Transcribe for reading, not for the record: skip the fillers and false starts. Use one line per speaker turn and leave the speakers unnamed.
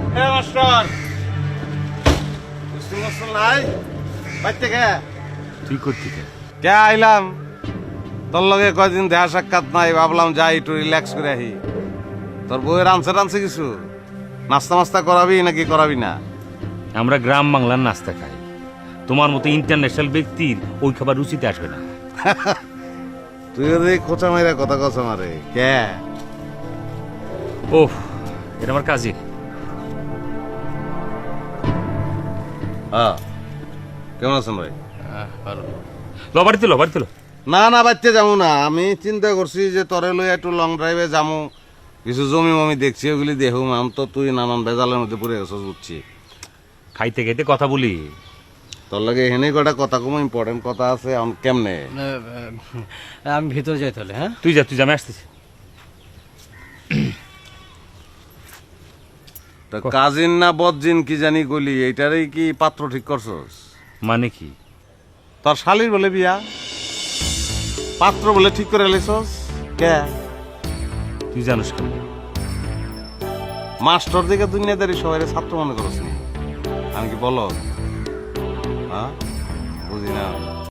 এ master school master নাই বাইতে কে
তুই করতি কে?
কে আইলাম তোর লগে কয়দিন দেখা সাক্ষাৎ নাই ভাবলাম যাই একটু রিল্যাক্স করে আহি তোর বউয়ের আনছে কিছু নাস্তা মাস্তা করাবি নাকি করাবি না
আমরা গ্রাম বাংলার নাস্তা খাই, তোমার মতো ইন্টারন্যাশনাল ব্যক্তির ওই খাবার রুচিতে আসবে না।
তুই ওদের খোঁচা মাইরা কথা কথা মারে কে
ওহ, এটা আমার কাজিন।
হ্যাঁ কেমন আছেন ভাই
লবাড়িতে
না না বাচ্চা যাবো না আমি চিন্তা করছি যে তোরে লই একটু লং ড্রাইভে যাবো কিছু জমি মমি দেখছি ওগুলি দেখুম আমি তো তুই নানান ভেজালের মধ্যে পড়ে গেছিস বুঝছি
খাইতে খাইতে কথা বলি।
তোর লাগে এখানে কটা কথা কম ইম্পর্টেন্ট কথা আছে কেমনে
আমি ভিতরে যাই তাহলে। হ্যাঁ
তুই যা আমি আসতেছি।
তা কাজিন না বদজিন কি জানি গলি এইটারই কি পাত্র ঠিক করছস
মানে কি?
তোর শালির বলে বিয়া পাত্র বলে ঠিক করে লেছস কে
তুই জানিস কেন?
মাস্টার দিকে দুনিয়াদারি সবাই ছাত্র মনে করছ নি আমি কি বলো হ্যাঁ বুঝি না